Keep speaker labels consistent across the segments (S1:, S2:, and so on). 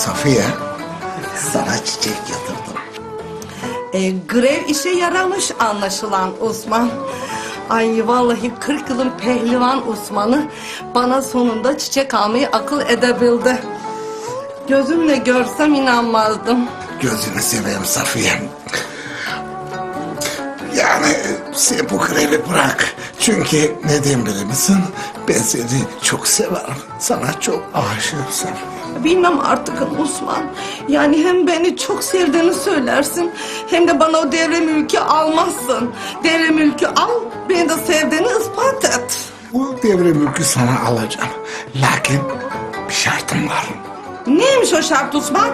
S1: Safiye, sana çiçek getirdim.
S2: Grev işe yaramış anlaşılan Osman. Ay vallahi 40 yılın pehlivan Osman'ı bana sonunda çiçek almayı akıl edebildi. Gözümle görsem inanmazdım.
S1: Gözünü seveyim Safiye. Yani sen bu grevi bırak. Çünkü neden bilir misin? Ben seni çok severim. Sana çok aşığım Safiye.
S2: Bilmem artık Osman. Yani hem beni çok sevdiğini söylersin, hem de bana o devre mülkü almazsın. Devre mülkü al, beni de sevdiğini ispat et.
S1: Bu devre mülkü sana alacağım. Lakin bir şartım var.
S2: Neymiş o şart Osman?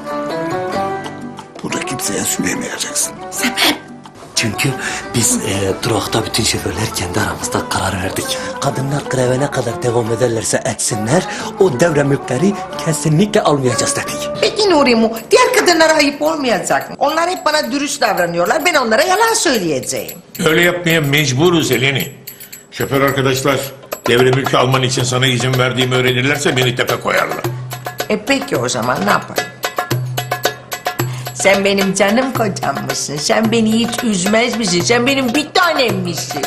S1: Bunu kimseye söylemeyeceksin.
S3: Çünkü biz durakta bütün şoförler kendi aramızda karar verdik. Kadınlar greve ne kadar devam ederlerse etsinler, o devre mülkleri kesinlikle almayacağız dedik.
S4: Peki Nurimu, diğer kadınlara ayıp olmayacak mı? Onlar hep bana dürüst davranıyorlar, ben onlara yalan söyleyeceğim.
S5: Öyle yapmaya mecburuz Eleni. Şoför arkadaşlar devre mülkü alman için sana izin verdiğimi öğrenirlerse beni tepe koyarlar.
S4: Peki o zaman ne yapalım? Sen benim canım kocammışsın, sen beni hiç üzmez misin? Sen benim bir tanemmişsin.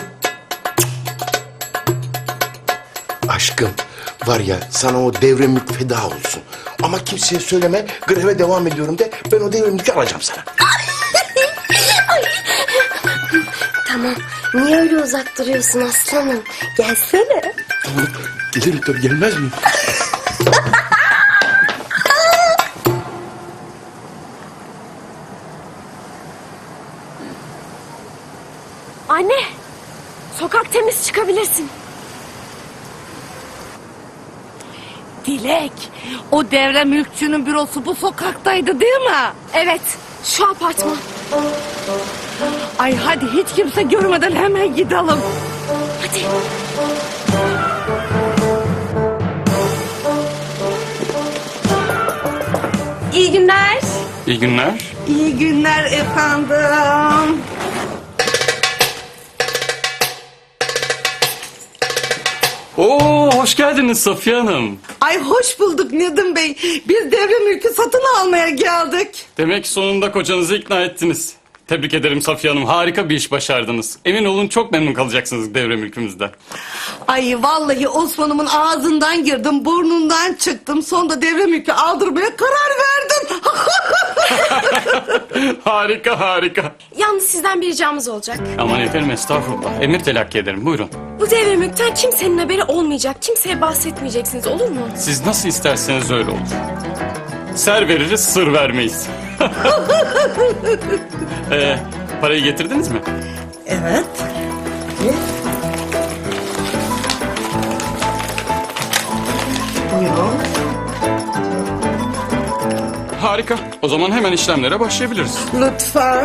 S6: Aşkım var ya sana o devre mülk feda olsun. Ama kimseye söyleme, greve devam ediyorum de, ben o devre mülkü alacağım sana.
S7: Tamam. Niye öyle uzak duruyorsun aslanım? Gelsene.
S6: Tamam, gelirim tabii, gelmez miyim?
S7: Anne. Sokak temiz, çıkabilirsin.
S2: Dilek, o devre mülkçünün bürosu bu sokaktaydı değil mi?
S7: Evet. Şu apartman.
S2: Ay hadi hiç kimse görmeden hemen gidelim.
S7: Hadi. İyi günler.
S8: İyi günler.
S2: İyi günler efendim.
S8: Oo, hoş geldiniz Safiye Hanım.
S2: Ay hoş bulduk Nedim Bey. Biz devre mülkü satın almaya geldik.
S8: Demek sonunda kocanızı ikna ettiniz. Tebrik ederim Safiye Hanım. Harika bir iş başardınız. Emin olun çok memnun kalacaksınız devre mülkümüzden.
S2: Ay vallahi Osman'ımın ağzından girdim, burnundan çıktım. Sonunda devre mülkü aldırmaya karar verdim.
S8: Harika harika.
S7: Yalnız sizden bir ricamız olacak.
S8: Aman efendim estağfurullah. Emir telakki ederim buyurun.
S7: Bu devre mülkten kimsenin haberi olmayacak. Kimseye bahsetmeyeceksiniz, olur mu?
S8: Siz nasıl isterseniz öyle olur. Ser veririz sır vermeyiz. Parayı getirdiniz mi?
S2: Evet. Buyurun.
S8: Harika. O zaman hemen işlemlere başlayabiliriz.
S2: Lütfen.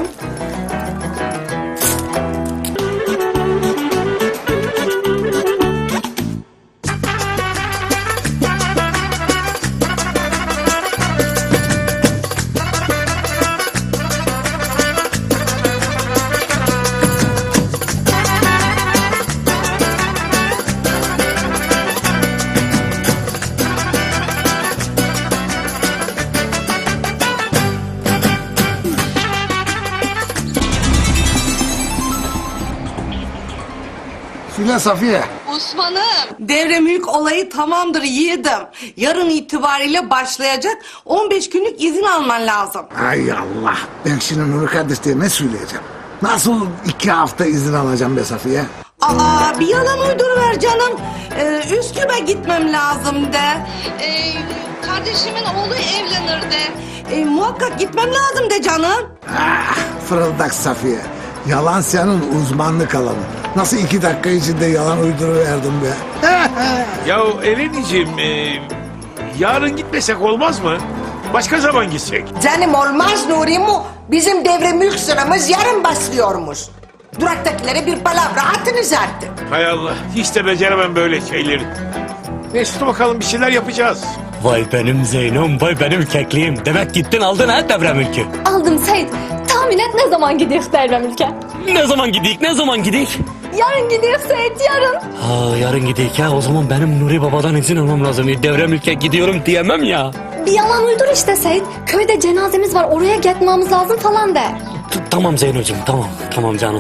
S1: Söyle Safiye.
S2: Osman'ım. Devre mülk olayı tamamdır yiğidim. Yarın itibariyle başlayacak. 15 günlük izin alman lazım.
S1: Ay Allah. Ben şimdi Nuri kardeşliğe ne söyleyeceğim? Nasıl 2 hafta izin alacağım be Safiye?
S2: Aa bir yalan uyduruver canım. Üsküp'e gitmem lazım de. Kardeşimin oğlu evlenir de. Muhakkak gitmem lazım de canım.
S1: Ah, fırıldak Safiye. Yalan senin uzmanlık alanın. Nasıl 2 dakika içinde yalan uyduruverdim be?
S5: Ya Eleniciğim yarın gitmesek olmaz mı? Başka zaman gitsek.
S4: Canım olmaz Nurimu, bizim devre mülk sıramız yarın başlıyormuş. Duraktakilere bir palavra atınız artık.
S5: Hay Allah hiç de beceremem böyle şeyleri. Neyse dur bakalım bir şeyler yapacağız.
S3: Vay benim Zeynom, vay benim kekliğim. Demek gittin aldın ha devre mülkü.
S7: Aldım Seyit. Tahmin et ne zaman gidiyoruz devre mülke?
S3: Ne zaman gidik, ne zaman gidik?
S9: Yarın gidiyor Seyit yarın.
S3: Ha, yarın gideyim ya. O zaman benim Nuri Baba'dan izin almam lazım. Devre mülke gidiyorum diyemem ya.
S9: Bir yalan uydur işte Seyit. Köyde cenazemiz var oraya gitmemiz lazım falan de.
S3: Tamam Zeynocuğum, tamam. Tamam canım.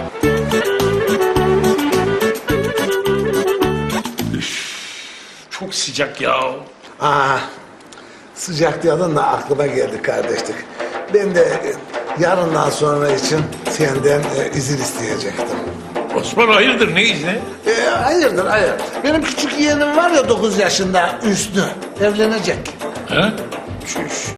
S5: Çok sıcak ya.
S1: Sıcak diyordun da aklıma geldi kardeşlik. Ben de yarından sonra için senden izin isteyecektim.
S5: Osman hayırdır, ne izni?
S1: Hayırdır hayır. Benim küçük yeğenim var ya 9 yaşında Hüsnü. Evlenecek.
S5: Ha? Çüş.